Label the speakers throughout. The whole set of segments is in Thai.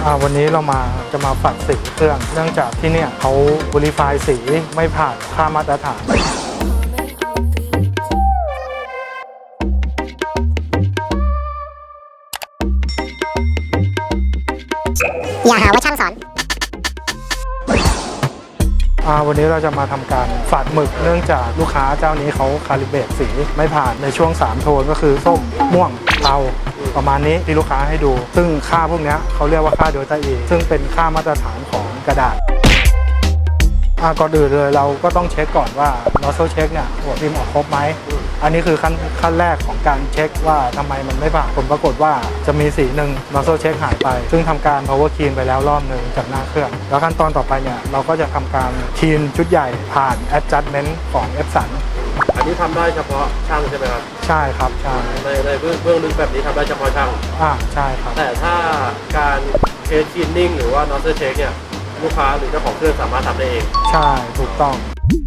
Speaker 1: วันนี้เราจะมาฝัดสีเครื่องเนื่องจากที่เนี่ยเขา verify สีไม่ผ่านค่ามาตรฐาน
Speaker 2: อย่าหาว่าช่างสอน
Speaker 1: วันนี้เราจะมาทำการฝัดหมึกเนื่องจากลูกค้าเจ้านี้เขาคาลิเบรตสีไม่ผ่านในช่วง3โทนก็คือส้มม่วงเทาประมาณนี้ที่ลูกค้าให้ดูซึ่งค่าพวกนี้เขาเรียกว่าค่าเดลต้า E ซึ่งเป็นค่ามาตรฐานของกระดาษก่อนอื่นเลยเราก็ต้องเช็คก่อนว่า nozzle check เนี่ยหัวพิมพ์ออกครบไหมอันนี้คือขั้นแรกของการเช็คว่าทำไมมันไม่ผ่านผลปรากฏว่าจะมีสีหนึ่ง nozzle check หายไปซึ่งทำการ power clean ไปแล้วรอบหนึ่งจากหน้าเครื่องแล้วขั้นตอนต่อไปเนี่ยเราก็จะทำการ clean ชุดใหญ่ผ่าน adjustment ของ Epson
Speaker 3: อันนี้ทำได้เฉพาะช่างใช่ไหมครับ
Speaker 1: ใช่ครับใช่
Speaker 3: ในเบื้องลึกแบบนี้ทำได้เฉพาะช่าง
Speaker 1: ใช่ครับ
Speaker 3: แต่ถ้าการเคสคลีนนิ่งหรือว่า nozzle check เนี่ยลูกค้าหรือเจ้าของเครื่องสามารถทำได้เอง
Speaker 1: ใช่ถูกต้อง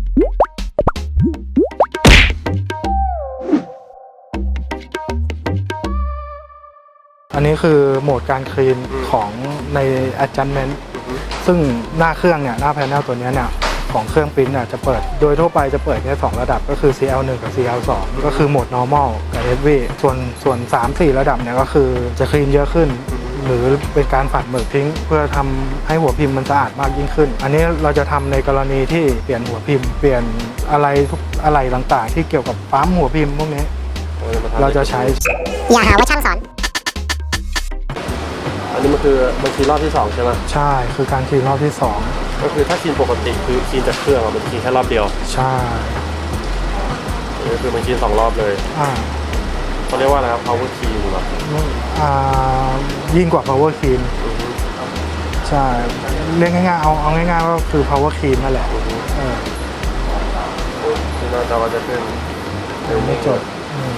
Speaker 1: อันนี้คือโหมดการคลีนของใน adjustment ซึ่งหน้าเครื่องเนี่ยหน้าแพนเนลตัวนี้เนี่ยของเครื่องปริ้นท์จะเปิดโดยทั่วไปจะเปิดแค่2ระดับก็คือ CL1 กับ CL2 ก็คือโหมด normal กับ heavy ส่วน 3-4 ระดับเนี่ยก็คือจะคลีนเยอะขึ้นหรือเป็นการฝัดหมึกทิ้งเพื่อทำให้หัวพิมพ์มันสะอาดมากยิ่งขึ้นอันนี้เราจะทำในกรณีที่เปลี่ยนหัวพิมพ์เปลี่ยนอะไรต่างๆที่เกี่ยวกับปั๊มหัวพิมพ์พวกนี้เราจะใช้
Speaker 2: อย่าหาว่าช่างสอน
Speaker 3: อันนี้มันคือรอบที่2ใช่ไหม
Speaker 1: ใช่คือการคลีนรอบที่2
Speaker 3: ก็คือถ้าคลีนปกติคือคลีนจากเครื่องมันคลีนแค่รอบเดียว
Speaker 1: ใช่
Speaker 3: นี่คือมันคลีน2รอบเลยเขาเรียกว่าอะไรครับ power clean หรอ
Speaker 1: ยิ่งกว่า power clean ใช่เรียกง่ายๆเอาง่ายๆว่าคือ power clean นั่นแหละ
Speaker 3: ที่หน้าจอจะขึ้น
Speaker 1: ไม่จบ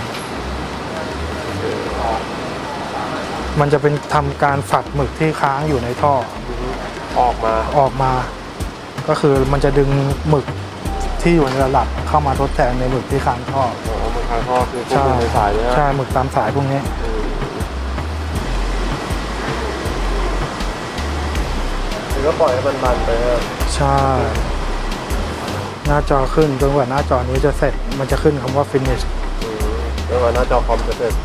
Speaker 1: มันจะเป็นทำการฝัดหมึกที่ค้างอยู่ในท่อ
Speaker 3: ออก
Speaker 1: มาก็คือมันจะดึงหมึกที่อยู่ในระดับเข้ามาทดแทนในหมึกที่ค้างท่อ
Speaker 3: หมึกค้างท่อคือพวกหมึกในสายเนี่ย
Speaker 1: ใช่หมึกตามสายพวกนี้
Speaker 3: คือก็ปล่อยให้มันรันไป
Speaker 1: ใช่หน้าจอขึ้นจนกว่าหน้าจอนี้จะเสร็จมันจะขึ้นคำว่า finish
Speaker 3: จนกว่าหน้าจอคอมจะเสร็จ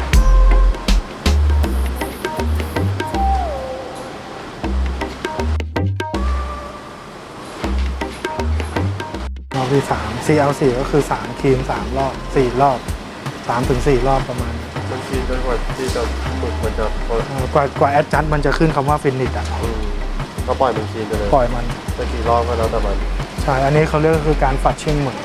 Speaker 1: รอบที่3 CL4 ก็คือ3คลีน3รอบ4รอบ3-4 รอบประมาณ
Speaker 3: มันคลีนจนกว่าที่จะหมึกมันจะ
Speaker 1: กว่าแอดจัดมันจะขึ้นคำว่าฟินิช
Speaker 3: ก็ปล่อยมันคลีนไปเลย
Speaker 1: ปล่อยมัน
Speaker 3: จะกี่รอบก็แล้วแต่มัน
Speaker 1: ใช่อันนี้เขาเรียกคือการฝัดชิ่งหมึก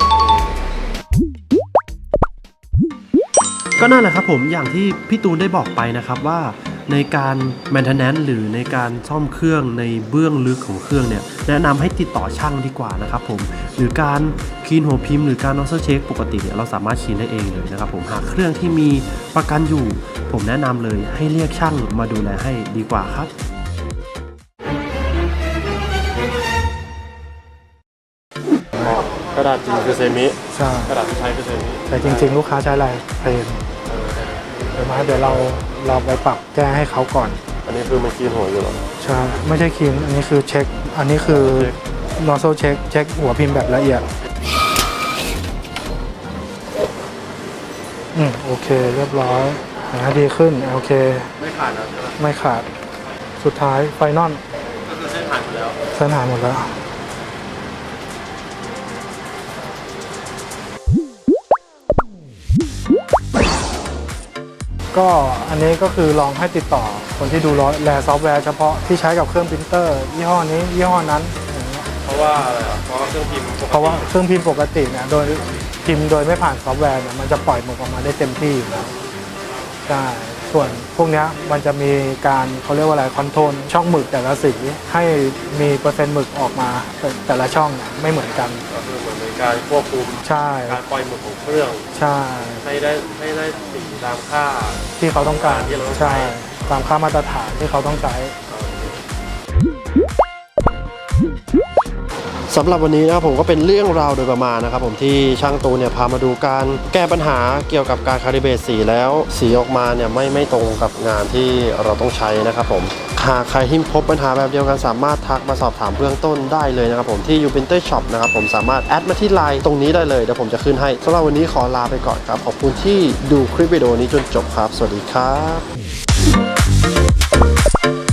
Speaker 4: ก็นั่นแหละครับผมอย่างที่พี่ตูนได้บอกไปนะครับว่าในการ maintenance หรือในการซ่อมเครื่องในเบื้องลึกของเครื่องเนี่ยแนะนำให้ติดต่อช่างดีกว่านะครับผมหรือการคลีนหัวพิมพ์หรือการ nozzle check ปกติเนี่ยเราสามารถคลีนได้เองเลยนะครับผมหากเครื่องที่มีประกันอยู่ผมแนะนำเลยให้เรียกช่างมาดูแลให้ดีกว่าครับ
Speaker 3: กระดาษจริงคือเซมิ
Speaker 1: ใช่
Speaker 3: กระดาษใช้คือเซมิ
Speaker 1: แต่จริงๆลูกค้าใช้อะไรเพลนเดี๋ยวเราไปปรับแก้ให้เขาก่อน
Speaker 3: อันนี้คือมันคลีนหัวอยู่หรอ
Speaker 1: ใช่ไม่ใช่คลีนอันนี้คือเช็คอันนี้คือ nozzle check เช็คหัวพิมพ์แบบละเอียดโอเคเรียบร้อยดีขึ้นโอเค
Speaker 3: ไม่ขาดแล้วใช่ไหม
Speaker 1: ไม่ขาดสุดท้ายไฟนอล
Speaker 3: ก็คือเส้นหายหมดแล้ว
Speaker 1: ก็อันนี้ก็คือลองให้ติดต่อคนที่ดูแลซอฟต์แวร์เฉพาะที่ใช้กับเครื่องปรินเตอร์ยี่ห้อนี้ยี่ห้อนั้น
Speaker 3: เพราะว่าอะไรเพราะว่าเครื่องพิมพ์
Speaker 1: ปกติเนี่ยโดยพิมพ์โดยไม่ผ่านซอฟต์แวร์เนี่ยมันจะปล่อยหมึกออกมาได้เต็มที่อยู่แล้วใช่ส่วนพวกนี้มันจะมีการเขาเรียกว่าอะไรคอนโทรลช่องหมึกแต่ละสีให้มีเปอร์เซ็นต์หมึกออกมาแต่ละช่องไม่เหมือนกัน
Speaker 3: ก็คือเหมือนในการควบคุม
Speaker 1: ใช่
Speaker 3: การปล่อยหมึกของเครื่อง
Speaker 1: ใช่
Speaker 3: ให้ได้สีตามค่า
Speaker 1: ที่เขาต้องการใช่ตามค่ามาตรฐานที่เขาต้องใช้
Speaker 4: สำหรับวันนี้นะครับผมก็เป็นเรื่องราวโดยประมาณนะครับผมที่ช่างตูนเนี่ยพามาดูการแก้ปัญหาเกี่ยวกับการคาลิเบรตสีแล้วสีออกมาเนี่ยไม่ตรงกับงานที่เราต้องใช้นะครับผมหากใครที่พบปัญหาแบบเดียวกันสามารถทักมาสอบถามเบื้องต้นได้เลยนะครับผมที่ Uprinter Shop นะครับผมสามารถแอดมาที่ไลน์ตรงนี้ได้เลยเดี๋ยวผมจะขึ้นให้สำหรับวันนี้ขอลาไปก่อนครับขอบคุณที่ดูคลิปวิดีโอนี้จนจบครับสวัสดีครับ